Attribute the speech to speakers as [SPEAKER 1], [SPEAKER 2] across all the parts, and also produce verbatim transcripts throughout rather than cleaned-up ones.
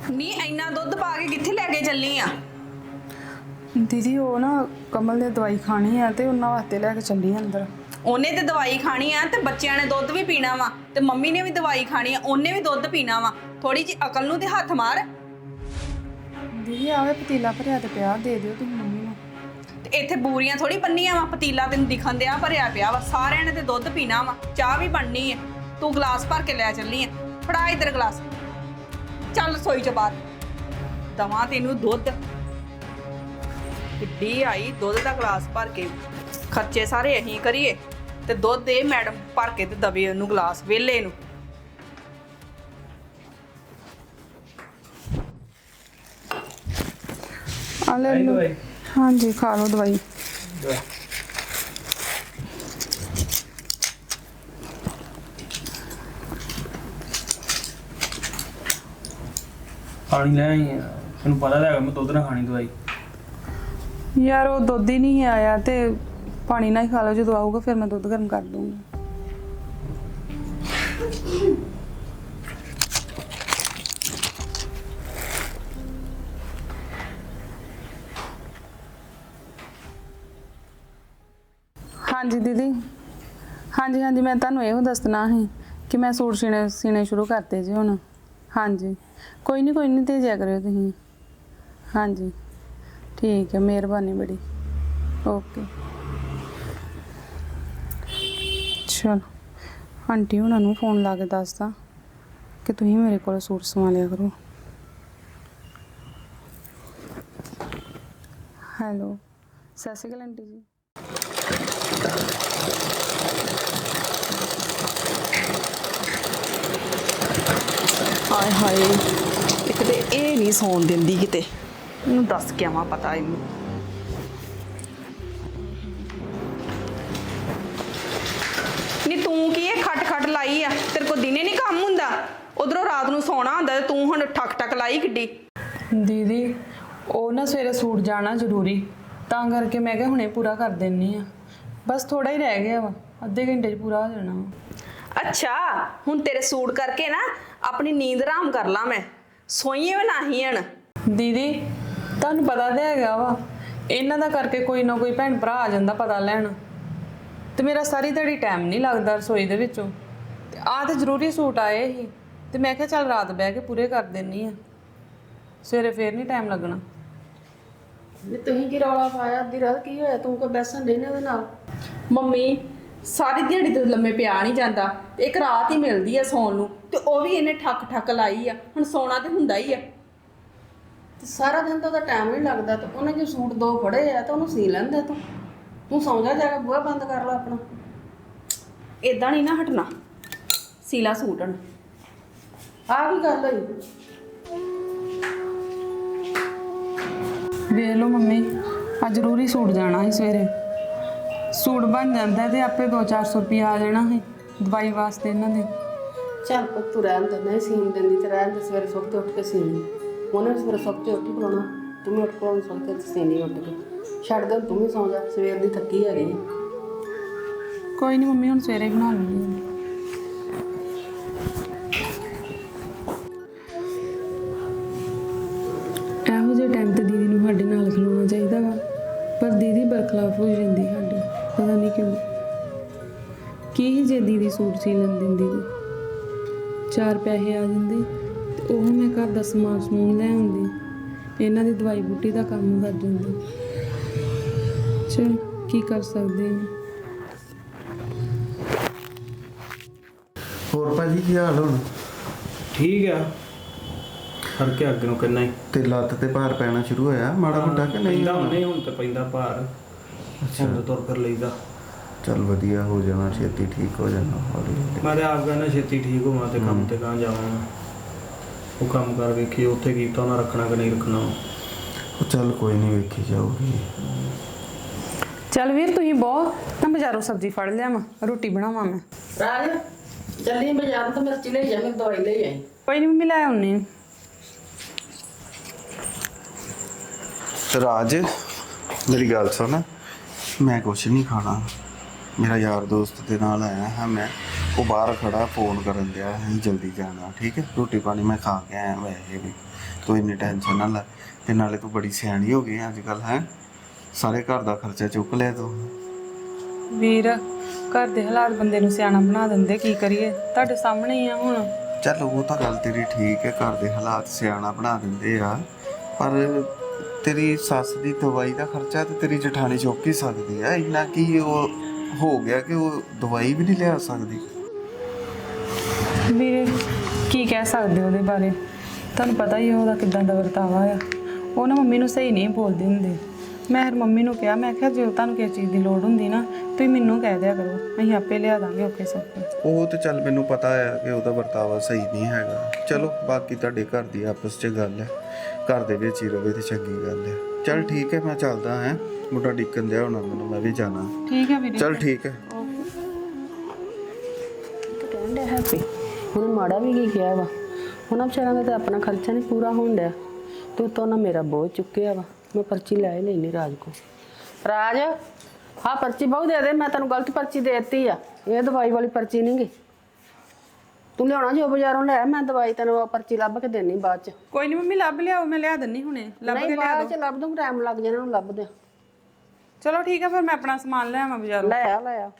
[SPEAKER 1] ਨੀ ਇੰਨਾ ਦੁੱਧ ਪਾ ਕੇ ਕਿੱਥੇ ਲੈ ਕੇ ਚੱਲੀ ਆ?
[SPEAKER 2] दीदी वो ना कमल ने दवाई खानी है तो उन्होंने वास्ते लैके चली अंदर।
[SPEAKER 1] ਉਹਨੇ ਤੇ ਦਵਾਈ ਖਾਣੀ ਆ ਤੇ ਬੱਚਿਆਂ ਨੇ ਦੁੱਧ ਵੀ ਪੀਣਾ ਵਾ ਤੇ ਮੰਮੀ ਨੇ ਵੀ ਦਵਾਈ ਖਾਣੀ ਆ, ਉਹਨੇ ਵੀ ਦੁੱਧ ਪੀਣਾ ਵਾ। ਥੋੜੀ ਜੀ ਅਕਲ ਨੂੰ ਤੇ ਹੱਥ ਮਾਰ।
[SPEAKER 2] दीदी आवे पतीला भरिया तो पिया दे दियो तुम मम्मी ਨੂੰ।
[SPEAKER 1] ਤੇ ਇੱਥੇ ਬੂਰੀਆਂ ਥੋੜੀ ਬੰਨੀਆਂ ਵਾ, ਪਤੀਲਾ ਤੈਨੂੰ ਦਿਖਣ ਦਿਆ ਭਰਿਆ ਪਿਆ ਵਾ। ਸਾਰਿਆਂ ਨੇ ਤੇ ਦੁੱਧ ਪੀਣਾ ਵਾ, ਚਾਹ ਵੀ ਬਣਨੀ ਹੈ। ਤੂੰ ਗਲਾਸ ਭਰ ਕੇ ਲੈ ਚੱਲੀ ਆ, ਫੜਾ ਇਧਰ ਗਲਾਸ। ਚੱਲ ਰਸੋਈ ਚ ਬਾਹਰ ਦਵਾਂ ਤੈਨੂੰ ਦੁੱਧ। ਕਿੱਡੀ ਆਈ ਦੁੱਧ ਦਾ ਗਲਾਸ ਭਰ ਕੇ, ਖਰਚੇ ਸਾਰੇ ਅਸੀਂ ਕਰੀਏ ਤੇ ਦੁੱਧ ਦੇ ਮੈਡਮ ਭਰ ਕੇ ਤੇ ਦਵੇ ਉਹਨੂੰ ਗਲਾਸ ਵੇਲੇ ਨੂੰ।
[SPEAKER 2] आले लो। हाँ जी खा लो दवाई।
[SPEAKER 3] पानी ले आई है, तेन पता है मैं दुद्ध ना खानी दवाई।
[SPEAKER 2] यार वो दुध ही नहीं आया तो पानी ना ही खा लो, जो आऊगा फिर मैं दुध गर्म कर दूंगी। हाँ जी दीदी, हाँ जी हाँ जी मैं तुहानू यो दसना है कि मैं सूट सीने सीने शुरू करते जी हुण। हाँ जी कोई नहीं कोई नहीं भेजा करो तुसीं। हाँ जी ठीक है, मेहरबानी बड़ी। ओके चलो आंटी हुणां नूं फोन ला के दसदा कि तुसीं मेरे कोल सूट सवा लिया करो। हेलो सत श्री अकाल आंटी जी।
[SPEAKER 1] ਹਾਏ ਹਾਏ, ਇੱਕ ਤੇ ਇਹ ਨਹੀਂ ਸੌਣ ਦਿੰਦੀ ਕਿਤੇ। ਇਹਨੂੰ ਦੱਸ ਕੇ ਆਵਾਂ ਪਤਾ ਇਹਨੂੰ। ਨੀ ਤੂੰ ਕੀ ਇਹ ਖੱਟ ਖੱਟ ਲਾਈ ਆ? ਤੇਰੇ ਕੋਲ ਦਿਨੇ ਨਹੀਂ ਕੰਮ ਹੁੰਦਾ? ਉਧਰੋਂ ਰਾਤ ਨੂੰ ਸੌਣਾ ਹੁੰਦਾ ਤੇ ਤੂੰ ਹੁਣ ਠੱਕ ਠੱਕ ਲਾਈ ਕਿੱਡੀ।
[SPEAKER 2] दीदी वो ना सवेरे सूट जाना जरूरी, ਤਾਂ ਕਰਕੇ मैं क्या हुणे पूरा कर देनी आ। बस थोड़ा ही रह गया वा, अद्धे घंटे च पूरा हो जाना वा।
[SPEAKER 1] ਅੱਛਾ ਹੁਣ ਤੇਰੇ ਸੂਟ ਕਰਕੇ ਨਾ ਆਪਣੀ ਨੀਂਦ ਆਰਾਮ ਕਰ ਲਾਂ ਮੈਂ, ਸੋਈਏ ਵੀ ਨਹੀਂ ਹਣ।
[SPEAKER 2] दीदी ਤੁਹਾਨੂੰ ਪਤਾ ਤਾਂ ਹੈਗਾ ਵਾ ਇਹਨਾਂ ਦਾ ਕਰਕੇ ਕੋਈ ਨਾ ਕੋਈ ਭੈਣ ਭਰਾ ਆ ਜਾਂਦਾ ਪਤਾ ਲੈਣ, ਤੇ ਮੇਰਾ ਸਾਰੀ ਦਿਹਾੜੀ ਟਾਈਮ ਨਹੀਂ ਲੱਗਦਾ ਰਸੋਈ ਦੇ ਵਿੱਚੋਂ। ਤੇ ਆਹ ਤੇ ਜ਼ਰੂਰੀ ਸੂਟ ਆਏ ਸੀ ਤੇ ਮੈਂ ਕਿਹਾ ਚੱਲ ਰਾਤ ਬਹਿ ਕੇ ਪੂਰੇ ਕਰ ਦਿੰਨੀ ਆ, ਸਵੇਰੇ ਫੇਰ ਨਹੀਂ ਟਾਈਮ ਲੱਗਣਾ।
[SPEAKER 4] ਨਹੀਂ ਤੁਸੀਂ ਕੀ ਰੌਲਾ ਪਾਇਆ? ਅੱਧੀ ਰਾਤ ਕੀ ਹੋਇਆ? ਤੂੰ ਕੋਈ ਬੈਸਣ ਦੇਣੇ ਉਹਦੇ ਨਾਲ?
[SPEAKER 1] ਮੰਮੀ ਸਾਰੀ ਦਿਹਾੜੀ ਤੇ ਲੰਮੇ ਪਿਆ ਨਹੀਂ ਜਾਂਦਾ, ਤੇ ਇੱਕ ਰਾਤ ਹੀ ਮਿਲਦੀ ਆ ਸੌਣ ਨੂੰ, ਤੇ ਉਹ ਵੀ ਇਹਨੇ ਠੱਕ ਠੱਕ ਲਾਈ ਆ। ਹੁਣ ਸੌਣਾ ਤੇ ਹੁੰਦਾ ਹੀ ਆ।
[SPEAKER 4] ਤੇ ਸਾਰਾ ਦਿਨ ਤਾਂ ਉਹਦਾ ਟਾਈਮ ਨਹੀਂ ਲੱਗਦਾ, ਤੇ ਉਹਨੇ ਜੋ ਸੂਟ ਦੋ ਫੜੇ ਆ ਤਾਂ ਉਹਨੂੰ ਸੀ ਲੈਂਦੇ ਤੂੰ। ਤੂੰ ਸੌਂ ਜਾ, ਜਾ ਕੇ ਬੂਹਾ ਬੰਦ ਕਰ ਲੈ ਆਪਣਾ।
[SPEAKER 1] ਇਦਾਂ ਨਹੀਂ ਨਾ ਹਟਣਾ, ਸੀਲਾ ਸੂਟ ਹਣ।
[SPEAKER 4] ਆਹ ਕੀ ਗੱਲ ਹੋਈ?
[SPEAKER 2] ਵੇਖ ਲਓ ਮੰਮੀ, ਆ ਜ਼ਰੂਰੀ ਸੂਟ ਜਾਣਾ ਸੀ ਸਵੇਰੇ। ਸੂਟ ਬਣ ਜਾਂਦਾ ਤੇ ਆਪੇ ਦੋ ਚਾਰ ਸੌ ਰੁਪਇਆ ਆ ਜਾਣਾ ਸੀ ਦਵਾਈ ਵਾਸਤੇ ਇਹਨਾਂ ਦੇ।
[SPEAKER 4] ਚੱਲ ਪੁੱਤ ਤੂੰ ਰਹਿਣ ਦੇ, ਨਹੀਂ ਸੀਨ ਦਿੰਦੀ ਤੇ ਰਹਿਣ ਦੇ। ਸਵੇਰੇ ਸੁੱਤੇ ਉੱਠ ਕੇ ਸੀਨੀ, ਉਹਨੇ ਵੀ ਸਵੇਰੇ ਸੁੱਤੇ ਉੱਠ ਕੇ ਬੁਲਾਉਣਾ, ਤੂੰ ਵੀ ਉੱਠ ਕੇ ਉਹਨੂੰ ਸੁਣ ਕੇ ਸੀਨੀ ਉੱਠ ਕੇ। ਛੱਡ ਦੇ, ਤੂੰ ਵੀ ਸੌਂ ਜਾ, ਸਵੇਰ ਦੀ ਥੱਕੀ ਹੈਗੀ।
[SPEAKER 2] ਕੋਈ ਨਹੀਂ ਮੰਮੀ, ਹੁਣ ਸਵੇਰੇ ਹੀ ਬਣਾ ਲੂੰਗੀ। ਇਹੋ ਜਿਹੇ ਟਾਈਮ ਤੇ ਦੀਦੀ ਨੂੰ ਸਾਡੇ ਨਾਲ ਖਲੋਣਾ ਚਾਹੀਦਾ ਵਾ, ਪਰ ਦੀਦੀ ਬਰਖਲਾਫ ਹੋ ਜਾਂਦੀ ਸਾਡੇ, ਪਤਾ ਨਹੀਂ ਕਿਉਂ। ਕੀ ਜੇ ਦੀਦੀ ਸੂਟ ਸੀ ਲੈਣ ਦਿੰਦੀ ਤੇ ਚਾਰ ਪੈਸੇ ਆ ਜਾਂਦੇ ਤੇ ਉਹ ਮੈਂ ਘਰ ਦਾ ਸਮਾਨ ਸਮੂਨ ਲੈ ਆਉਂਦੀ, ਇਹਨਾਂ ਦੀ ਦਵਾਈ ਬੂਟੀ ਦਾ ਕੰਮ ਕਰ ਜਾਂਦੀ। ਚਲ ਕੀ ਕਰ ਸਕਦੇ ਹਾਂ।
[SPEAKER 5] ਹੋਰ ਭਾਜੀ ਕੀ ਹਾਲ ਹੁਣ?
[SPEAKER 3] ठीक है, ਫਰਕ ਕੇ ਅੱਗੇ ਨੂੰ ਕਿੰਨਾ ਹੀ
[SPEAKER 5] ਤੇ ਲੱਤ ਤੇ ਭਾਰ ਪੈਣਾ ਸ਼ੁਰੂ ਹੋਇਆ ਮਾੜਾ ਮੋਟਾ ਕਿ ਨਹੀਂ?
[SPEAKER 3] ਪੈਂਦਾ ਨਹੀਂ, ਹੁਣ ਤੇ ਪੈਂਦਾ ਭਾਰ। ਅੱਛਾ ਤੁਰ ਫਿਰ ਲਈਦਾ।
[SPEAKER 5] ਚੱਲ ਵਧੀਆ ਹੋ ਜਾਣਾ, ਛੇਤੀ ਠੀਕ ਹੋ ਜਾਣਾ ਹੌਲੀ ਹੌਲੀ।
[SPEAKER 3] ਮੈਂ ਤੇ ਆਪ ਕਹਿੰਦਾ ਛੇਤੀ ਠੀਕ ਹੋਵਾਂ ਤੇ ਕੰਮ ਤੇ ਕਾਂ ਜਾਵਾਂ। ਉਹ ਕੰਮ ਕਰ ਵੇਖੀ ਉੱਥੇ ਕੀਤਾ ਉਹਨਾਂ ਰੱਖਣਾ ਕਿ ਨਹੀਂ ਰੱਖਣਾ।
[SPEAKER 5] ਉਹ ਚੱਲ ਕੋਈ ਨਹੀਂ, ਵੇਖੀ ਜਾਊਗੀ।
[SPEAKER 2] ਚੱਲ ਵੀਰ ਤੁਸੀਂ ਬਹੁਤ ਤਾਂ ਬਾਜ਼ਾਰੋਂ ਸਬਜ਼ੀ ਫੜ ਲਿਆਵਾਂ, ਰੋਟੀ ਬਣਾਵਾਂ ਮੈਂ।
[SPEAKER 4] ਰਾਜ ਚੱਲੀ ਬਾਜ਼ਾਰ ਤੋਂ ਮਿਰਚ ਲੈ ਜਾ, ਮੈਂ ਦਵਾਈ ਲੈ ਆਈ।
[SPEAKER 2] ਕੋਈ ਨਹੀਂ ਮੰਮੀ ਲੈ ਆਉਣੀ।
[SPEAKER 5] ਰਾਜ ਮੇਰੀ ਗੱਲ ਸੁਣ, ਮੈਂ ਕੁਛ ਨਹੀਂ ਖਾਣਾ। ਮੇਰਾ ਯਾਰ ਦੋਸਤ ਦੇ ਨਾਲ ਆਇਆ ਹਾਂ ਮੈਂ, ਉਹ ਬਾਹਰ ਖੜਾ ਫੋਨ ਕਰਨ ਦਿਆ ਅਸੀਂ ਜਲਦੀ ਜਾਣਾ ਠੀਕ ਹੈ। ਰੋਟੀ ਪਾਣੀ ਮੈਂ ਖਾ ਕੇ ਆਇਆ ਵੈਸੇ ਵੀ, ਤੂੰ ਇੰਨੀ ਟੈਨਸ਼ਨ ਨਾ ਲੈ। ਤੇ ਨਾਲੇ ਤੂੰ ਬੜੀ ਸਿਆਣੀ ਹੋ ਗਈ ਅੱਜ ਕੱਲ੍ਹ ਹੈ, ਸਾਰੇ ਘਰ ਦਾ ਖਰਚਾ ਚੁੱਕ ਲਿਆ ਤੂੰ।
[SPEAKER 2] ਵੀਰ ਘਰ ਦੇ ਹਾਲਾਤ ਬੰਦੇ ਨੂੰ ਸਿਆਣਾ ਬਣਾ ਦਿੰਦੇ, ਕੀ ਕਰੀਏ, ਤੁਹਾਡੇ ਸਾਹਮਣੇ ਹੀ ਆ ਹੁਣ।
[SPEAKER 5] ਚੱਲ ਉਹ ਤਾਂ ਗੱਲ ਤੇਰੀ ਠੀਕ ਹੈ, ਘਰ ਦੇ ਹਾਲਾਤ ਸਿਆਣਾ ਬਣਾ ਦਿੰਦੇ ਆ, ਪਰ ਤੇਰੀ ਸੱਸ ਦੀ ਦਵਾਈ ਦਾ ਖਰਚਾ ਤੇ ਤੇਰੀ ਜਠਾਣੀ ਚੁੱਕ ਹੀ ਸਕਦੀ ਆ। ਇੰਨਾ ਕੀ ਉਹ ਹੋ ਗਿਆ ਕਿ ਉਹ ਦਵਾਈ ਵੀ ਨਹੀਂ ਲਿਆ ਸਕਦੀ।
[SPEAKER 2] ਵੀਰੇ ਕੀ ਕਹਿ ਸਕਦੇ ਉਹਦੇ ਬਾਰੇ, ਤੁਹਾਨੂੰ ਪਤਾ ਹੀ ਆ ਉਹਦਾ ਕਿੱਦਾਂ ਦਾ ਵਰਤਾਵਾ ਆ। ਉਹ ਨਾ ਮੰਮੀ ਨੂੰ ਸਹੀ ਨਹੀਂ ਬੋਲਦੇ ਹੁੰਦੇ। ਮੈਂ ਫਿਰ ਮੰਮੀ ਨੂੰ ਕਿਹਾ, ਮੈਂ ਕਿਹਾ ਜੇ ਤੁਹਾਨੂੰ ਕਿਸੇ ਚੀਜ਼ ਦੀ ਲੋੜ ਹੁੰਦੀ ਨਾ ਤੁਸੀਂ ਮੈਨੂੰ ਕਹਿ ਦਿਆ ਕਰੋ, ਅਸੀਂ ਆਪੇ ਲਿਆ ਦਾਂਗੇ ਓਕੇ ਸਭ ਕੁਝ।
[SPEAKER 5] ਉਹ ਤੇ ਚੱਲ ਮੈਨੂੰ ਪਤਾ ਹੈ ਕਿ ਉਹਦਾ ਵਰਤਾਵਾ ਸਹੀ ਨਹੀਂ ਹੈਗਾ। ਚਲੋ ਬਾਕੀ ਤੁਹਾਡੇ ਘਰ ਦੀ ਆਪਸ 'ਚ ਗੱਲ ਹੈ, ਘਰ ਦੇ ਵਿੱਚ ਹੀ ਰਵੇ ਤੇ ਚੰਗੀ ਗੱਲ ਹੈ। ਚੱਲ ਠੀਕ ਹੈ, ਮੈਂ ਚੱਲਦਾ ਹਾਂ, ਮੁੰਡਾ ਡਿੱਕਣ ਦਿਆ ਹੋਣਾ ਮੈਨੂੰ, ਮੈਂ ਵੀ ਜਾਣਾ।
[SPEAKER 2] ਠੀਕ ਹੈ ਵੀਰੇ,
[SPEAKER 5] ਚੱਲ ਠੀਕ ਹੈ।
[SPEAKER 4] ਕਹਿਣ ਡਿਆ ਹੈਪੀ ਹੁਣ ਮਾੜਾ ਵੀ ਕੀ ਕਿਹਾ ਵਾ, ਹੁਣ ਵਿਚਾਰਾਂ ਦਾ ਤਾਂ ਆਪਣਾ ਖਰਚਾ ਨਹੀਂ ਪੂਰਾ ਹੋਣ ਡਿਆ, ਤੂੰ ਤਾਂ ਨਾ ਮੇਰਾ ਬੋਝ ਚੁੱਕਿਆ ਵਾ। ਮੈਂ ਪਰਚੀ ਲੈ ਹੀ ਲੈਣੀ ਰਾਜ ਕੋ। ਰਾਜ ਹਾਂ ਪਰਚੀ ਬਹੁ ਦੇ ਦੇ, ਮੈਂ ਤੈਨੂੰ ਗਲਤ ਪਰਚੀ ਦੇ ਦਿੱਤੀ ਆ, ਇਹ ਦਵਾਈ ਵਾਲੀ ਪਰਚੀ ਨਹੀਂ ਗੀ। ਤੂੰ ਲਿਆਉਣਾ ਜੋ ਬਾਜ਼ਾਰੋਂ ਲੈ, ਮੈਂ ਦਵਾਈ ਤੈਨੂੰ ਪਰਚੀ ਲੱਭ ਕੇ ਦੇਣੀ ਬਾਅਦ ਚ।
[SPEAKER 2] ਕੋਈ ਨਹੀਂ ਮੰਮੀ ਲੱਭ ਲਿਆਓ, ਮੈਂ ਲਿਆ ਦਿੰਨੀ ਹੁਣੇ, ਲੱਭ ਕੇ
[SPEAKER 4] ਨਹੀਂ
[SPEAKER 2] ਲਿਆ
[SPEAKER 4] ਬਾਅਦ
[SPEAKER 2] ਦੋ।
[SPEAKER 4] ਚ ਲੱਭ ਦੂੰ, ਟਾਈਮ ਲੱਗ ਜਾਣਾ ਉਹਨੂੰ ਲੱਭਦੇ।
[SPEAKER 2] ਚਲੋ ਠੀਕ ਹੈ ਫਿਰ ਮੈਂ ਆਪਣਾ ਸਮਾਨ ਲੈ ਆਵਾਂ ਬਾਜ਼ਾਰੋਂ।
[SPEAKER 4] ਲੈ ਆ ਲੈ ਆ।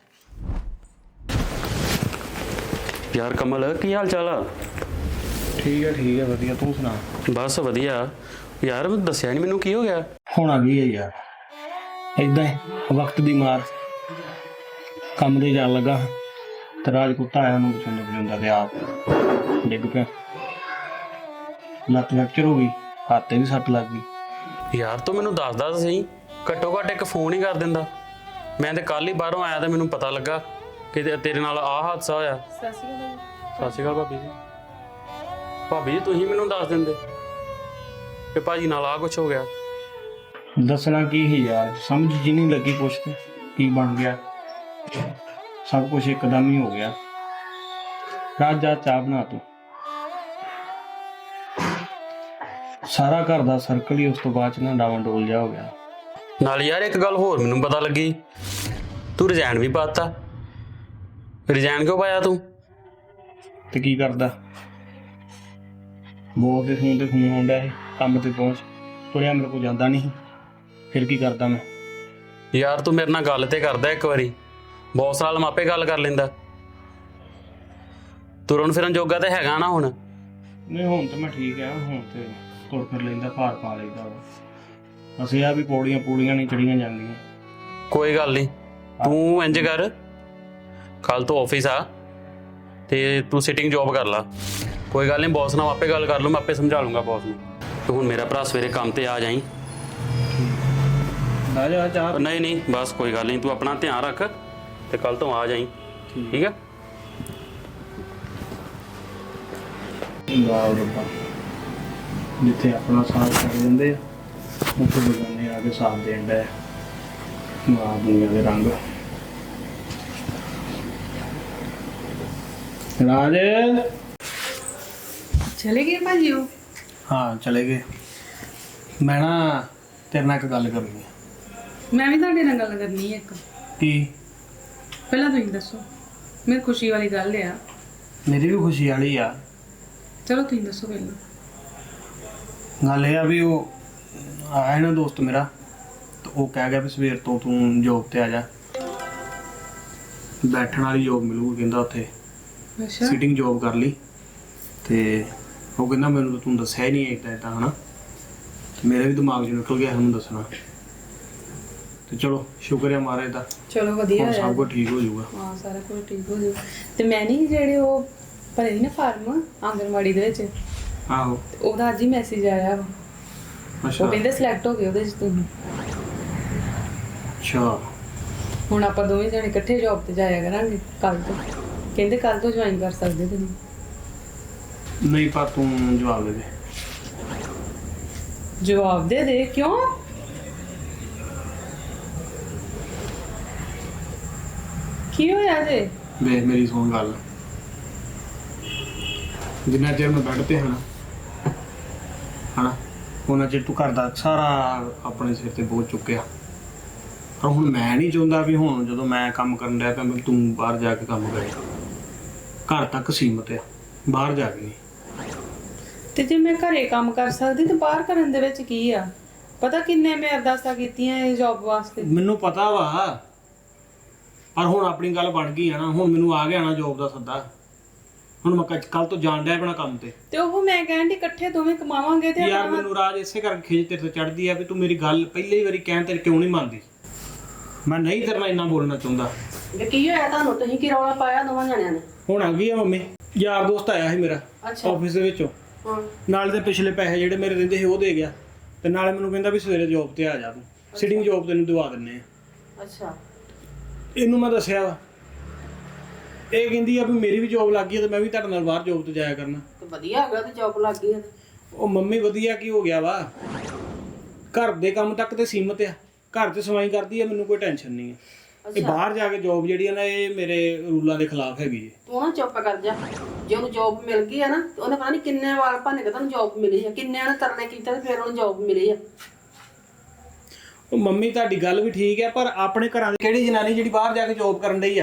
[SPEAKER 6] ਯਾਰ ਕਮਲ ਕੀ ਹਾਲ ਚਾਲ ਆ?
[SPEAKER 3] ਠੀਕ ਹੈ ਠੀਕ ਹੈ ਵਧੀਆ, ਤੂੰ ਸੁਣਾ।
[SPEAKER 6] ਬਸ ਵਧੀਆ ਯਾਰ, ਮੈਂ ਦੱਸਿਆ ਨਹੀਂ ਮੈਨੂੰ ਕੀ ਹੋ ਗਿਆ।
[SPEAKER 3] ਹੁਣ ਆ ਗਈ ਹੈ ਯਾਰ, ਏਦਾਂ ਹੀ ਵਕਤ ਦੀ ਮਾਰ। ਕੰਮ ਤੇ ਜਾਣ ਲੱਗਾ ਤੇ ਰਾਜ ਕੁੱਤਾ ਆਇਆ, ਉਹਨੂੰ ਪਸੰਦ ਪਸੰਦਾ ਤੇ ਆਪ ਡਿੱਗ ਪਿਆ, ਲੱਤ ਫ੍ਰੈਕਚਰ ਹੋ ਗਈ, ਹੱਥ ਤੇ ਵੀ ਸੱਟ ਲੱਗ ਗਈ।
[SPEAKER 6] ਯਾਰ ਤੂੰ ਮੈਨੂੰ ਦੱਸਦਾ ਤਾਂ ਸਹੀ, ਘੱਟੋ ਘੱਟ ਇੱਕ ਫੋਨ ਹੀ ਕਰ ਦਿੰਦਾ। ਮੈਂ ਤੇ ਕੱਲ ਹੀ ਬਾਹਰੋਂ ਆਇਆ ਤੇ ਮੈਨੂੰ ਪਤਾ ਲੱਗਾ ਕਿ ਤੇ- ਤੇਰੇ ਨਾਲ ਆਹ ਹਾਦਸਾ ਹੋਇਆ।
[SPEAKER 2] ਸਤਿ ਸ਼੍ਰੀ ਅਕਾਲ।
[SPEAKER 6] ਸਤਿ ਸ਼੍ਰੀ ਅਕਾਲ ਭਾਬੀ ਜੀ। ਭਾਬੀ ਜੀ ਤੁਸੀਂ ਮੈਨੂੰ ਦੱਸ ਦਿੰਦੇ ਕਿ ਭਾਜੀ ਨਾਲ ਆਹ ਕੁਛ ਹੋ ਗਿਆ।
[SPEAKER 3] ਦੱਸਣਾ ਕੀ ਸੀ ਯਾਰ, ਸਮਝ ਜੀ ਨਹੀਂ ਲੱਗੀ ਕੁਛ ਤੇ ਕੀ ਬਣ ਗਿਆ, ਸਭ ਕੁਝ ਇੱਕਦਮ ਹੀ ਹੋ ਗਿਆ। ਰਾਜ ਜਾ ਚਾਹ ਬਣਾ ਤੂੰ। ਸਾਰਾ ਘਰ ਦਾ ਸਰਕਲ ਹੀ ਉਸ ਤੋਂ ਬਾਅਦ ਚ ਨਾ ਡਾਵਾਂ ਡੋਲ ਜਾ ਹੋ ਗਿਆ।
[SPEAKER 6] ਨਾਲ ਯਾਰ ਇੱਕ ਗੱਲ ਹੋਰ ਮੈਨੂੰ ਪਤਾ ਲੱਗੀ, ਤੂੰ ਰਿਜ਼ਾਈਨ ਵੀ ਪਾਤਾ। ਰਿਜ਼ਾਈਨ ਕਿਉਂ ਪਾਇਆ ਤੂੰ?
[SPEAKER 3] ਤੇ ਕੀ ਕਰਦਾ, ਬੋਲ ਦੇ ਫੋਨ ਤੇ ਫੋਨ ਆਉਂਦਾ ਹੈ, ਕੰਮ ਤੇ ਪਹੁੰਚ, ਤੁਰਿਆ ਮੇਰੇ ਕੋਲ ਜਾਂਦਾ ਨਹੀਂ, ਫਿਰ ਕੀ ਕਰਦਾ ਮੈਂ।
[SPEAKER 6] ਯਾਰ ਤੂੰ ਮੇਰੇ ਨਾਲ ਗੱਲ ਤੇ ਕਰਦਾ ਇੱਕ ਵਾਰੀ, ਬੌਸ ਨਾਲ ਮਾਪੇ ਗੱਲ ਕਰ ਲੈਂਦਾ। ਤੁਰਨ ਫਿਰਨ ਜੋਗਾ ਤੇ ਹੈਗਾ ਨਾ ਹੁਣ।
[SPEAKER 3] ਨਹੀਂ ਹੁਣ ਤਾਂ ਮੈਂ ਠੀਕ ਆ, ਹੁਣ ਤੇ ਤੁਰ ਫਿਰ ਲੈਂਦਾ, ਭਾਰ ਪਾ ਲੈਂਦਾ ਵਾ। ਅਸੀਂ ਆ ਵੀ ਪੌੜੀਆਂ ਪੂੜੀਆਂ ਨਹੀਂ ਚੜੀਆਂ ਜਾਂਦੀਆਂ।
[SPEAKER 6] ਕੋਈ ਗੱਲ ਨਹੀਂ, ਤੂੰ ਇੰਜ ਕਰ, ਕੱਲ ਤੋਂ ਆਫਿਸ ਆ ਤੇ ਤੂੰ ਸਿਟਿੰਗ ਜੌਬ ਕਰ ਲਾ। ਕੋਈ ਗੱਲ ਨਹੀਂ, ਬੌਸ ਨਾਲ ਆਪੇ ਗੱਲ ਕਰ ਲੂੰ, ਮੈਂ ਆਪੇ ਸਮਝਾ ਲੂੰਗਾ ਬੌਸ ਨੂੰ। ਤੂੰ ਹੁਣ ਮੇਰਾ ਭਰਾ ਸਵੇਰੇ ਕੰਮ ਤੇ ਆ ਜਾਈਂ।
[SPEAKER 3] ਆ ਜਾ ਚਾਹ।
[SPEAKER 6] ਨਹੀਂ ਨਹੀਂ ਬਸ ਕੋਈ ਗੱਲ ਨਹੀਂ, ਤੂੰ ਆਪਣਾ ਧਿਆਨ ਰੱਖ ਤੇ ਕੱਲ ਤੋਂ ਆ ਜਾਈਂ, ਠੀਕ ਆ?
[SPEAKER 3] ਵਾਹ ਰੱਬਾ, ਜਿੱਥੇ ਆਪਣਾ ਸਾਥ ਕਰ ਦਿੰਦੇ ਆ ਉੱਥੇ ਬਗਾਨੇ ਆ ਕੇ ਸਾਥ ਦੇਣ ਦਾ ਵਾਹ ਦੁਨੀਆ ਦੇ ਰੰਗ। ਰਾਜ
[SPEAKER 2] ਚਲੇ ਗਏ ਭਾਜੀ ਉਹ?
[SPEAKER 3] ਹਾਂ ਚਲੇ ਗਏ। ਮੈਂ ਨਾ ਤੇਰੇ ਨਾਲ ਇੱਕ ਗੱਲ ਕਰਨੀ ਹੈ।
[SPEAKER 2] ਮੈਂ ਵੀ ਤੁਹਾਡੇ ਨਾਲ ਗੱਲ ਕਰਨੀ ਹੈ ਇੱਕ।
[SPEAKER 3] ਕੀ?
[SPEAKER 2] ਪਹਿਲਾਂ ਤੁਸੀਂ ਦੱਸੋ, ਮੇਰੀ ਖੁਸ਼ੀ ਵਾਲੀ ਗੱਲ ਆ।
[SPEAKER 3] ਮੇਰੀ ਵੀ ਖੁਸ਼ੀ ਵਾਲੀ ਆ।
[SPEAKER 2] ਚਲੋ ਤੁਸੀਂ ਦੱਸੋ ਪਹਿਲਾਂ।
[SPEAKER 3] ਗੱਲ ਇਹ ਆ ਵੀ ਉਹ ਆਇਆ ਨਾ ਦੋਸਤ ਮੇਰਾ, ਤੇ ਉਹ ਕਹਿ ਗਿਆ ਵੀ ਸਵੇਰ ਤੋਂ ਤੂੰ ਜੋਬ ਤੇ ਆ ਜਾ, ਬੈਠਣ ਵਾਲੀ ਜੋਬ ਮਿਲੂਗੀ ਕਹਿੰਦਾ ਉੱਥੇ,
[SPEAKER 2] ਅੱਛਾ
[SPEAKER 3] ਸਿਟਿੰਗ ਜੋਬ ਕਰ ਲਈ। ਤੇ ਉਹ ਕਹਿੰਦਾ ਮੈਨੂੰ ਤਾਂ ਤੂੰ ਦੱਸਿਆ ਹੀ ਨਹੀਂ ਇੱਦਾਂ ਇੱਦਾਂ ਹਨਾ। ਤੇ ਮੇਰੇ ਵੀ ਦਿਮਾਗ 'ਚ ਨਿਕਲ ਗਿਆ ਉਹਨੂੰ ਦੱਸਣਾ। ਤੇ ਚਲੋ ਸ਼ੁਕਰ ਹੈ ਮਹਾਰਾਜ ਦਾ,
[SPEAKER 2] ਚਲੋ ਵਧੀਆ
[SPEAKER 3] ਹੁਣ
[SPEAKER 2] ਹੋਇਆ।
[SPEAKER 3] ਸਭ ਕੁਝ ਠੀਕ ਹੋ ਜਾਊਗਾ।
[SPEAKER 2] ਹਾਂ ਸਾਰਾ ਕੁਝ ਠੀਕ ਹੋ ਜਾਊ। ਤੇ ਮੈਂ ਨਹੀਂ ਜਿਹੜੇ ਉਹ ਭਰੇ ਸੀ ਨਾ ਫਾਰਮ ਆਂਗਨਵਾੜੀ ਦੇ ਵਿੱਚ,
[SPEAKER 3] ਆਹੋ
[SPEAKER 2] ਤੇ ਉਹਦਾ ਅੱਜ ਹੀ ਮੈਸੇਜ ਆਇਆ ਵਾ।
[SPEAKER 3] ਅੱਛਾ
[SPEAKER 2] ਉਹ ਕਹਿੰਦੇ ਸਿਲੈਕਟ ਹੋ ਗਏ ਉਹਦੇ ਚ ਤੁਸੀਂ।
[SPEAKER 3] ਅੱਛਾ
[SPEAKER 2] ਹੁਣ ਆਪਾਂ ਦੋਵੇਂ ਜਣੇ ਇਕੱਠੇ ਜੌਬ ਤੇ ਜਾਇਆ ਕਰਾਂਗੇ ਕੱਲ ਤੋਂ। ਕਹਿੰਦੇ ਕੱਲ ਤੋਂ ਜੁਆਇਨ ਕਰ ਸਕਦੇ ਤੁਸੀਂ।
[SPEAKER 3] ਨਹੀਂ ਪਰ ਤੂੰ ਜਵਾਬ ਦੇ ਦੇ।
[SPEAKER 2] ਜਵਾਬ ਦੇ ਦੇ, ਕਿਉਂ? ਕੀ ਹੋਇਆ ਜੇ?
[SPEAKER 3] ਵੇਖ ਮੇਰੀ ਸੁਣ ਗੱਲ, ਜਿੰਨਾ ਚਿਰ ਮੈਂ ਬੈੱਡ ਤੇ ਹਨਾ ਹਨਾ ਉਹਨਾਂ ਚਿਰ ਤੂੰ ਘਰ ਦਾ ਸਾਰਾ ਆਪਣੇ ਸਿਰ ਤੇ ਬੋਝ ਚੁੱਕਿਆ। ਪਰ ਹੁਣ ਮੈਂ ਨਹੀਂ ਚਾਹੁੰਦਾ ਵੀ ਹੁਣ ਜਦੋਂ ਮੈਂ ਕੰਮ ਕਰਨ ਡਿਆ ਤਾਂ ਤੂੰ ਬਾਹਰ ਜਾ ਕੇ ਕੰਮ ਕਰੇ। ਘਰ ਤੱਕ ਸੀਮਤ ਆ, ਬਾਹਰ ਜਾ ਕੇ ਨਹੀਂ।
[SPEAKER 2] ਤੇ ਜੇ ਮੈਂ ਘਰੇ ਕੰਮ ਕਰ ਸਕਦੀ ਤੇ ਬਾਹਰ ਕਰਨ ਦੇ ਵਿੱਚ ਕੀ ਆ? ਪਤਾ ਕਿੰਨੇ ਮੈਂ ਅਰਦਾਸਾਂ ਕੀਤੀਆਂ ਇਹ ਜੌਬ ਵਾਸਤੇ।
[SPEAKER 3] ਮੈਨੂੰ ਪਤਾ ਵਾ, ਪਰ ਹੁਣ ਆਪਣੀ ਗੱਲ ਬਣ ਗਈ ਆ ਨਾ, ਹੁਣ ਮੈਨੂੰ ਆ ਗਿਆ ਨਾ ਜੋਬ ਦਾ ਸੱਦਾ। ਹੁਣ ਮੈਂ ਕੱਲ ਤੋਂ ਜਾਣ ਡਿਆ ਆਪਣਾ ਕੰਮ ਤੇ।
[SPEAKER 2] ਤੇ ਉਹ ਮੈਂ ਕਹਿੰਦੀ ਇਕੱਠੇ ਦੋਵੇਂ ਕਮਾਵਾਂਗੇ ਤੇ
[SPEAKER 3] ਯਾਰ ਮੈਨੂੰ ਰਾਜ ਇਸੇ ਕਰਕੇ ਖਿਜ ਤੇਰੇ ਤੋਂ ਚੜਦੀ ਆ ਵੀ ਤੂੰ ਮੇਰੀ ਗੱਲ ਪਹਿਲੀ ਵਾਰੀ ਕਹਿਣ ਤੇ ਕਿਉਂ ਨਹੀਂ ਮੰਨਦੀ। ਮੈਂ ਨਹੀਂ ਤੇਰੇ ਨਾਲ ਇੰਨਾ ਬੋਲਣਾ ਚਾਹੁੰਦਾ।
[SPEAKER 4] ਇਹ ਕੀ ਹੋਇਆ ਤੁਹਾਨੂੰ? ਤੁਸੀਂ ਕੀ ਰੌਲਾ ਪਾਇਆ ਦੋਵਾਂ ਜਣਿਆਂ ਨੇ?
[SPEAKER 3] ਹੁਣ ਆ ਗਈ ਆ ਮੰਮੀ, ਯਾਰ ਦੋਸਤ ਆਇਆ ਸੀ ਮੇਰਾ
[SPEAKER 4] ਅੱਛਾ।
[SPEAKER 3] ਆਫਿਸ ਦੇ ਵਿੱਚੋਂ,
[SPEAKER 4] ਹਾਂ
[SPEAKER 3] ਨਾਲ ਦੇ ਪਿਛਲੇ ਪੈਸੇ ਜਿਹੜੇ ਮੇਰੇ ਰਹਿੰਦੇ ਸੀ ਉਹ ਦੇ ਗਿਆ, ਤੇ ਨਾਲੇ ਮੈਨੂੰ ਕਹਿੰਦਾ ਵੀ ਸਵੇਰੇ ਜੋਬ ਤੇ ਆ ਜਾ, ਤੂੰ ਸਿਟਿੰਗ ਜੋਬ ਤੈਨੂੰ ਦਵਾ ਦਿੰਨੇ ਆ।
[SPEAKER 4] ਅੱਛਾ।
[SPEAKER 3] ਇਹਨੂੰ ਮੈਂ ਦੱਸਿਆ ਵਾ, ਇਹ ਕਹਿੰਦੀ ਆ ਵੀ ਮੇਰੀ ਵੀ ਜੋਬ ਲੱਗ ਗਈ ਆ ਤੇ ਮੈਂ ਵੀ ਤੁਹਾਡੇ ਨਾਲ ਬਾਹਰ ਜੋਬ ਤੇ ਜਾਇਆ ਕਰਨਾ।
[SPEAKER 4] ਤੇ ਵਧੀਆ ਹੈਗਾ ਤੇ ਜੌਬ ਲੱਗ ਗਈ ਹੈ ਤੇ।
[SPEAKER 3] ਉਹ ਮੰਮੀ ਵਧੀਆ ਕੀ ਹੋ ਗਿਆ ਵਾ, ਘਰ ਦੇ ਕੰਮ ਤੱਕ ਤੇ ਸੀਮਤ ਆ, ਘਰ 'ਚ ਸਫਾਈ ਕਰਦੀ ਆ, ਮੈਨੂੰ ਕੋਈ ਟੈਨਸ਼ਨ ਨਹੀਂ ਆ। ਇਹ ਬਾਹਰ ਜਾ ਕੇ ਜੋਬ ਜਿਹੜੀ ਆ ਨਾ, ਇਹ ਮੇਰੇ ਰੂਲਾਂ ਦੇ ਖਿਲਾਫ ਹੈਗੀ ਹੈ।
[SPEAKER 4] ਤੂੰ ਨਾ ਚੁੱਪ ਕਰ ਜਾ। ਜੇ ਉਹਨੂੰ ਜੌਬ ਮਿਲ ਗਈ ਆ ਨਾ ਤੇ ਉਹਨੇ ਪਤਾ ਨਹੀਂ ਕਿੰਨੇ ਵਾਰ ਭਾਨੇ ਕਿ ਤੁਹਾਨੂੰ ਜੌਬ ਮਿਲੀ ਆ, ਕਿੰਨਿਆਂ ਨੇ ਤਰਲੇ ਕੀਤੇ ਤੇ ਫਿਰ ਉਹਨੂੰ ਜੌਬ ਮਿਲੀ ਆ।
[SPEAKER 3] ਉਹ ਮੰਮੀ ਤੁਹਾਡੀ ਗੱਲ ਵੀ ਠੀਕ ਹੈ, ਪਰ ਆਪਣੇ ਘਰਾਂ ਦੀ ਕਿਹੜੀ ਜਨਾਨੀ ਜਿਹੜੀ ਬਾਹਰ ਜਾ ਕੇ ਜੋਬ ਕਰਨ ਡਈ ਆ?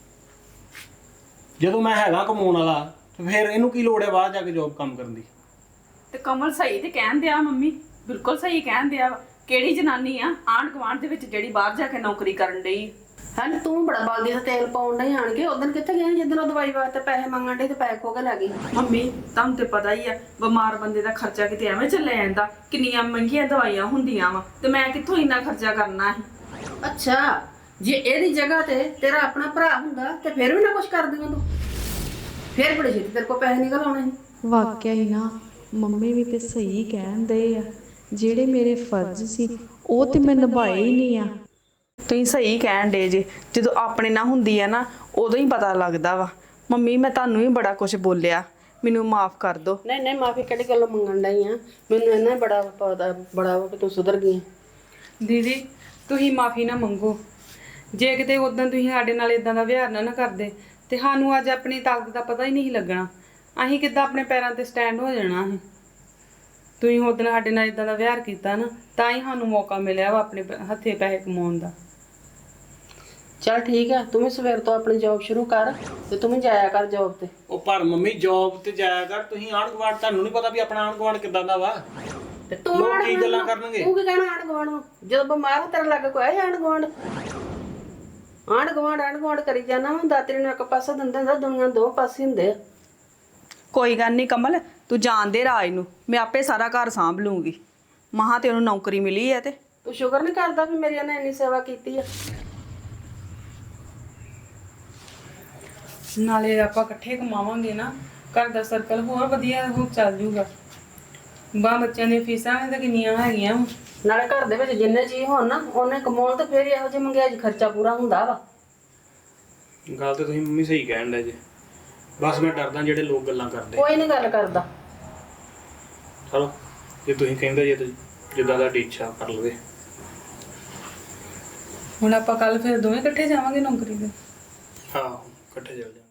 [SPEAKER 3] ਜਦੋਂ ਮੈਂ ਹੈਗਾ ਕਮਾਉਣ ਵਾਲਾ ਤੇ ਫਿਰ ਇਹਨੂੰ ਕੀ ਲੋੜ ਹੈ ਬਾਹਰ ਜਾ ਕੇ ਜੋਬ ਕੰਮ ਕਰਨ ਦੀ?
[SPEAKER 1] ਤੇ ਕਮਲ ਸਹੀ ਤੇ ਕਹਿਣ ਦਿਆ ਮੰਮੀ, ਬਿਲਕੁਲ ਸਹੀ ਕਹਿਣ ਦਿਆ ਵਾ। ਕਿਹੜੀ ਜਨਾਨੀ ਆ ਆਂਢ ਗੁਆਂਢ ਦੇ ਵਿੱਚ ਜਿਹੜੀ ਬਾਹਰ ਜਾ ਕੇ ਨੌਕਰੀ ਕਰਨ ਡਈ?
[SPEAKER 4] ਹਾਂ ਤੂੰ ਬੜਾ ਬਲਦੀ ਦਾ ਤੇਲ ਪਾਉਣ ਨਹੀਂ ਆਣ ਕੇ। ਉਦੋਂ ਕਿੱਥੇ ਗਏ ਜਦੋਂ ਉਹ ਦਵਾਈ ਵਾਸਤੇ ਪੈਸੇ ਮੰਗਣ ਡੇ ਤੇ ਪੈਸੇ ਖੋ ਕੇ ਲੈ ਗਈ।
[SPEAKER 1] ਮੰਮੀ ਤੁਹਾਨੂੰ ਤੇ ਪਤਾ ਹੀ ਆ, ਬਿਮਾਰ ਬੰਦੇ ਦਾ ਖਰਚਾ ਕਿਤੇ ਐਵੇਂ ਚੱਲਿਆ ਜਾਂਦਾ, ਕਿੰਨੀਆਂ ਮਹਿੰਗੀਆਂ ਦਵਾਈਆਂ ਹੁੰਦੀਆਂ ਵਾ, ਤੇ ਮੈਂ ਕਿੱਥੋਂ ਇੰਨਾ ਖਰਚਾ ਕਰਨਾ ਸੀ।
[SPEAKER 4] ਅੱਛਾ, ਜੇ ਇਹਦੀ ਜਗ੍ਹਾ ਤੇ ਤੇਰਾ ਆਪਣਾ ਭਰਾ ਹੁੰਦਾ ਤੇ ਫਿਰ ਵੀ ਨਾ ਕੁਝ ਕਰਦੀ ਤੂੰ, ਫਿਰ ਬੜੇ ਛੇਤੀ ਤੇਰੇ ਕੋਲ ਪੈਸੇ ਨਿਕਲ ਆਉਣੇ ਸੀ।
[SPEAKER 7] ਵਾਕਿਆ ਹੀ ਨਾ, ਮੰਮੀ ਵੀ ਤੇ ਸਹੀ ਕਹਿੰਦੇ ਆ, ਜਿਹੜੇ ਮੇਰੇ ਫਰਜ਼ ਸੀ ਉਹ ਤੇ ਮੈਂ ਨਿਭਾਏ ਹੀ ਨਹੀਂ ਆ।
[SPEAKER 1] ਤੁਸੀਂ ਸਹੀ ਕਹਿਣ ਡੇ ਜੇ, ਜਦੋਂ ਆਪਣੇ ਨਾਲ ਹੁੰਦੀ ਆ ਨਾ ਉਦੋਂ ਹੀ ਪਤਾ ਲੱਗਦਾ ਵਾ। ਮੰਮੀ ਮੈਂ ਤੁਹਾਨੂੰ ਵੀ ਬੜਾ ਕੁਝ ਬੋਲਿਆ, ਮੈਨੂੰ ਮਾਫ ਕਰ ਦਿਓ।
[SPEAKER 4] ਨਹੀਂ ਨਹੀਂ ਮਾਫੀ ਕਿਹੜੀ ਗੱਲੋਂ ਮੰਗਣ ਡਈ ਆ? ਮੈਨੂੰ ਇਹਨਾਂ ਬੜਾ ਪਤਾ ਬੜਾ ਵਾ ਕਿ ਤੂੰ ਸੁਧਰ ਗਈ।
[SPEAKER 2] ਦੀਦੀ ਤੁਸੀਂ ਮਾਫੀ ਨਾ ਮੰਗੋ। ਜੇ ਕਿਤੇ ਉਦੋਂ ਤੁਸੀਂ ਸਾਡੇ ਨਾਲ ਇਦਾਂ ਦਾ ਵਿਹਾਰ ਨਾ ਨਾ ਕਰਦੇ ਤੇ ਸਾਨੂੰ ਅੱਜ ਆਪਣੀ ਤਾਕਤ ਦਾ ਪਤਾ ਹੀ ਨਹੀਂ ਸੀ ਲੱਗਣਾ। ਅਸੀਂ ਕਿੱਦਾਂ ਆਪਣੇ ਪੈਰਾਂ ਤੇ ਸਟੈਂਡ ਹੋ ਜਾਣਾ ਸੀ। ਤੁਸੀਂ ਉਦੋਂ ਸਾਡੇ ਨਾਲ ਇਦਾਂ ਦਾ ਵਿਹਾਰ ਕੀਤਾ ਨਾ, ਤਾਂ ਹੀ ਸਾਨੂੰ ਮੌਕਾ ਮਿਲਿਆ ਵਾ ਆਪਣੇ ਪ- ਹੱਥੇ ਪੈਸੇ ਕਮਾਉਣ ਦਾ।
[SPEAKER 4] ਚਲ ਠੀਕ ਆ, ਤੂੰ ਵੀ ਸਵੇਰ ਤੋਂ ਆਪਣੀ ਜੌਬ ਸ਼ੁਰੂ ਕਰ ਤੇ ਤੂੰ ਵੀ ਜਾਇਆ ਕਰ ਜੌਬ ਤੇ।
[SPEAKER 3] ਉਹ ਪਰ ਮੰਮੀ ਜੋਬ ਤੇ ਜਾਇਆ ਕਰ, ਤੁਸੀਂ ਆਂਢ ਗੁਆਂਢ ਤੁਹਾਨੂੰ ਨਹੀਂ ਪਤਾ ਵੀ ਆਪਣਾ ਆਂਢ ਗੁਆਂਢ ਕਿੱਦਾਂ ਦਾ ਵਾ?
[SPEAKER 4] ਤੇ ਤੂੰ
[SPEAKER 3] ਲੋਕ
[SPEAKER 4] ਆਂਢ
[SPEAKER 3] ਕੀ
[SPEAKER 4] ਗੁਆਂਢ
[SPEAKER 3] ਗੱਲਾਂ
[SPEAKER 4] ਨੂੰ-
[SPEAKER 3] ਕਰਨਗੇ?
[SPEAKER 4] ਤੂੰ ਕੀ ਕਹਿਣਾ ਆਂਢ ਗੁਆਂਢ ਨੂੰ? ਜਦੋਂ ਬਿਮਾਰ ਹੋ ਤੇਰੇ ਲੱਗ ਕੋਈ ਆਂਢ ਗੁਆਂਢ ਆਂਢ ਗੁਆਂਢ ਆਂਢ ਗੁਆਂਢ ਕਰੀ ਜਾਣਾ ਵਾ। ਦਾਤਰੀ ਨੂੰ ਇੱਕ ਪਾਸਾ ਦਿੰਦੇ ਹੁੰਦਾ, ਦੁਨੀਆ ਦੋ ਪਾਸੇ ਹੁੰਦੇ ਆ।
[SPEAKER 1] ਕੋਈ ਗੱਲ ਨਹੀਂ ਕਮਲ, ਤੂੰ ਜਾਣਦੇ ਰਾਜ ਨੂੰ, ਮੈਂ ਆਪੇ ਸਾਰਾ ਘਰ ਸਾਂਭ ਲੂੰਗੀ। ਮਹਾਂ ਤੇ ਉਹਨੂੰ ਨੌਕਰੀ ਮਿਲੀ ਹੈ ਤੇ
[SPEAKER 4] ਤੂੰ ਸ਼ੁਕਰ ਨਹੀਂ ਕਰਦਾ ਵੀ ਮੇਰੀ ਨੇ ਇੰਨੀ ਸੇਵਾ ਕੀਤੀ ਆ।
[SPEAKER 2] ਨਾਲੇ ਆਪਾਂ ਇਕੱਠੇ ਕਮਾਵਾਂਗੇ ਨਾ, ਘਰ ਦਾ ਸਰਕਲ ਹੋਰ ਵਧੀਆ ਹੋ ਚੱਲ ਜੂਗਾ। ਬਾਹ ਬੱਚਿਆਂ ਦੀਆਂ ਫੀਸਾਂ ਵੀ ਤਾਂ ਕਿੰਨੀਆਂ ਹੈਗੀਆਂ।
[SPEAKER 4] ਨਾਲੇ ਘਰ ਦੇ ਵਿੱਚ ਜਿੰਨੇ ਜੀ ਹੋਣ ਨਾ ਉਹਨੇ ਕਮਾਉਣ ਤੇ ਫਿਰ ਇਹੋ ਜਿਹੇ ਮਹਿੰਗਾਈ ਖਰਚਾ ਪੂਰਾ ਹੁੰਦਾ ਵਾ।
[SPEAKER 3] ਗੱਲ ਤੇ ਤੁਸੀਂ ਮੰਮੀ ਸਹੀ ਕਹਿਣ ਦੇ ਜੇ, ਬਸ ਮੈਂ ਡਰਦਾ ਜਿਹੜੇ ਲੋਕ ਗੱਲਾਂ ਕਰਦੇ।
[SPEAKER 4] ਕੋਈ ਨਹੀਂ ਗੱਲ ਕਰਦਾ।
[SPEAKER 3] ਚਲੋ ਜੇ ਤੁਸੀਂ ਕਹਿੰਦੇ ਜੇ ਤੇ ਜਿੱਦਾਂ ਦਾ ਇੱਛਾ ਕਰ ਲਵੇ।
[SPEAKER 2] ਹੁਣ ਆਪਾਂ ਕੱਲ ਫਿਰ ਦੋਵੇਂ ਇਕੱਠੇ ਜਾਵਾਂਗੇ ਨੌਕਰੀ ਤੇ।
[SPEAKER 3] ਹਾਂ ਇਕੱਠੇ ਚੱਲ ਜਾ।